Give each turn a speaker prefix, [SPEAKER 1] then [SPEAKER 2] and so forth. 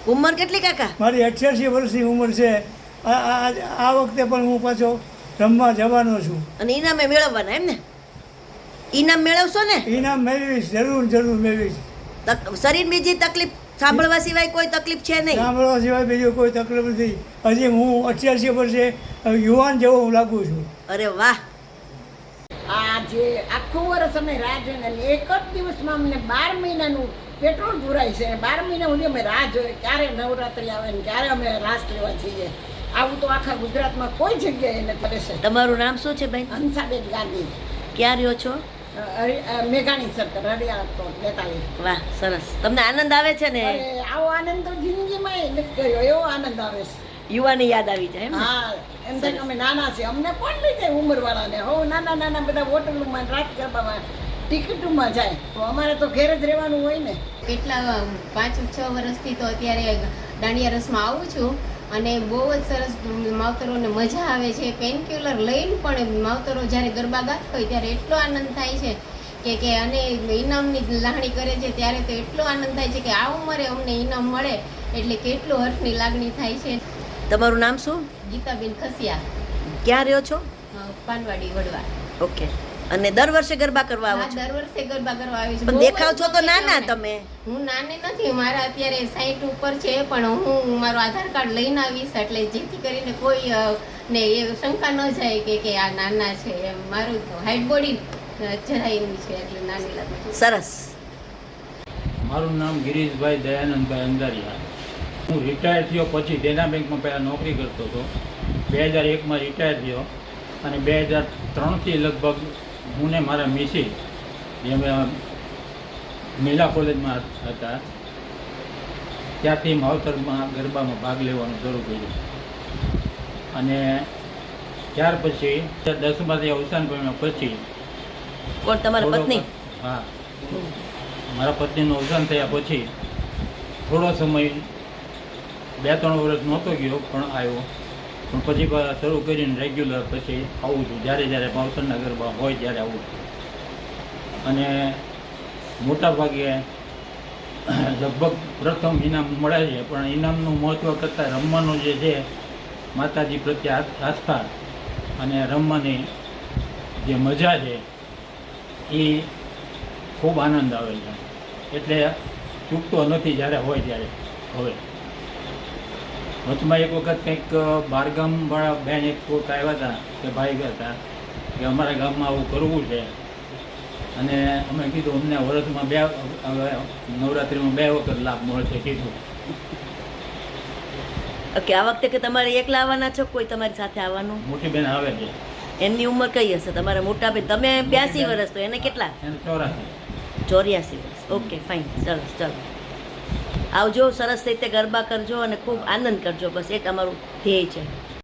[SPEAKER 1] ઉંમર કેટલી કાકા?
[SPEAKER 2] મારી 88 વર્ષની ઉંમર છે. આ વખતે પણ હું પાછો રમવા જવાનો છું.
[SPEAKER 1] અને ઇનામે મેળવવાના એમ ને? ઇનામ મેળવશો ને?
[SPEAKER 2] ઇનામ મેળવીશ, જરૂર મેળવીશ.
[SPEAKER 1] શરીર બીજી તકલીફ સાંભળવા સિવાય કોઈ તકલીફ છે નહીં?
[SPEAKER 2] સાંભળવા સિવાય બીજું કોઈ તકલીફ નથી. હજી હું 88 વર્ષે યુવાન જેવો હું લાગુ છું.
[SPEAKER 1] અરે વાહ.
[SPEAKER 3] આ જે આખું વર્ષ અમે રાહ જોઈને એક જ દિવસમાં અમને 12 મહિનાનું પેટ્રોલ પુરાય છે. 12 મહિના સુધી અમે રાહ જોઈએ ક્યારે નવરાત્રિ આવે ને ક્યારે અમે રાસ લેવા જઈએ. આવું તો આખા ગુજરાતમાં કોઈ જગ્યાએ ન કરે છે.
[SPEAKER 1] તમારું નામ શું છે બેન?
[SPEAKER 3] હંસાબેન ગાંધી,
[SPEAKER 1] ક્યાં રહ્યો છો?
[SPEAKER 3] મેઘાણી સર્કલ, હરિયાળ તો 42.
[SPEAKER 1] વાહ, સરસ. તમને આનંદ આવે છે ને?
[SPEAKER 3] અરે આવો આનંદ તો જિંદગીમાં નથી કર્યો, એવો આનંદ આવે છે.
[SPEAKER 1] યુવાની યાદ આવી જાય એમ ને?
[SPEAKER 3] હા, એમ થાય કે અમે નાના છીએ, અમને કોણ લઈ જાય ઉંમરવાળાને? હો નાના બધા હોટલોમાં રાત ગરબામાં ટિકિટોમાં જાય, તો અમારે તો ઘેર જ રહેવાનું હોય ને.
[SPEAKER 4] કેટલા 5-6 વર્ષથી તો અત્યારે દાંડિયા રસમાં આવું છું અને બહુ જ સરસ માવતરોને મજા આવે છે. પેનક્યુલર લઈને પણ માવતરો જ્યારે ગરબા ગાતા હોય ત્યારે એટલો આનંદ થાય છે કે અને ઇનામની લાગણી કરે છે ત્યારે તો એટલો આનંદ થાય છે કે આ ઉંમરે અમને ઇનામ મળે એટલે કેટલો હર્ષની લાગણી થાય છે.
[SPEAKER 1] તમારું નામ શું?
[SPEAKER 4] ગીતાબેન ખસિયા,
[SPEAKER 1] ક્યાં રહ્યો છો?
[SPEAKER 4] પાનવાડી વડવા.
[SPEAKER 1] ઓકે. અને દર વર્ષે ગરબા કરવા આવો
[SPEAKER 4] હા,
[SPEAKER 1] છો?
[SPEAKER 4] દર વર્ષે ગરબા કરવા આવી છું.
[SPEAKER 1] પણ દેખાવ છો તો નાના તમે.
[SPEAKER 4] હું નાની નથી, મારા અત્યારે 60 ઉપર છે, પણ હું મારું આધાર કાર્ડ લઈને આવીશ એટલે જેથી કરીને કોઈ ને એ શંકા ન જાય કે આ નાના છે. એમ મારું હાઈટ બોડી જરાય એવી છે એટલે નાની લાગુ છું.
[SPEAKER 1] સરસ.
[SPEAKER 5] મારું નામ ગિરીશભાઈ દયાનંદભાઈ અંધારિયા. હું રિટાયર થયો પછી દેના બેંકમાં પહેલાં નોકરી કરતો હતો. 2001માં રિટાયર થયો અને 2003થી લગભગ હું ને મારા મિસી જે અમે મિલા કોલેજમાં હતા ત્યાંથી માવતરમાં ગરબામાં ભાગ લેવાનું શરૂ કર્યું. અને ત્યાર પછી 10માંથી અવસાન પામ્યા પછી
[SPEAKER 1] કોણ, તમારા પત્ની?
[SPEAKER 5] હા, મારા પત્નીનું અવસાન થયા પછી થોડો સમય 2-3 વર્ષ નહોતો ગયો પણ આવ્યો. પણ પછી શરૂ કરીને રેગ્યુલર પછી આવું છું. જ્યારે માવતરના ગરબા હોય ત્યારે આવું છું. અને મોટાભાગે લગભગ પ્રથમ ઇનામ મળે છે, પણ ઇનામનું મહત્ત્વ કરતાં રમવાનું જે છે માતાજી પ્રત્યે આસ્થા અને રમવાની જે મજા છે એ ખૂબ આનંદ આવે છે. એટલે ચૂકતો નથી જ્યારે હોય ત્યારે. હવે વચમાં એક વખત કંઈક બહારગામવાળા બેન એક કોઈક આવ્યા હતા કે ભાઈ ગયા હતા કે અમારા ગામમાં આવું કરવું છે અને અમે કીધું અમને વર્ષમાં નવરાત્રિમાં 2 વખત લાભ મળશે કીધું.
[SPEAKER 1] ઓકે. આ વખતે કે તમારે એકલા આવવાના છો, કોઈ તમારી સાથે આવવાનું?
[SPEAKER 5] મોટી બેન આવે છે.
[SPEAKER 1] એમની ઉંમર કઈ હશે? તમારા મોટા બેન, તમે 82 વર્ષ, તો એને કેટલા?
[SPEAKER 5] એને 84.
[SPEAKER 1] 84 વર્ષ. ઓકે, ફાઇન, સરસ. ચાલો આવજો, સરસ રીતે ગરબા કરજો અને ખૂબ આનંદ કરજો. બસ એ તમારું ધ્યેય છે.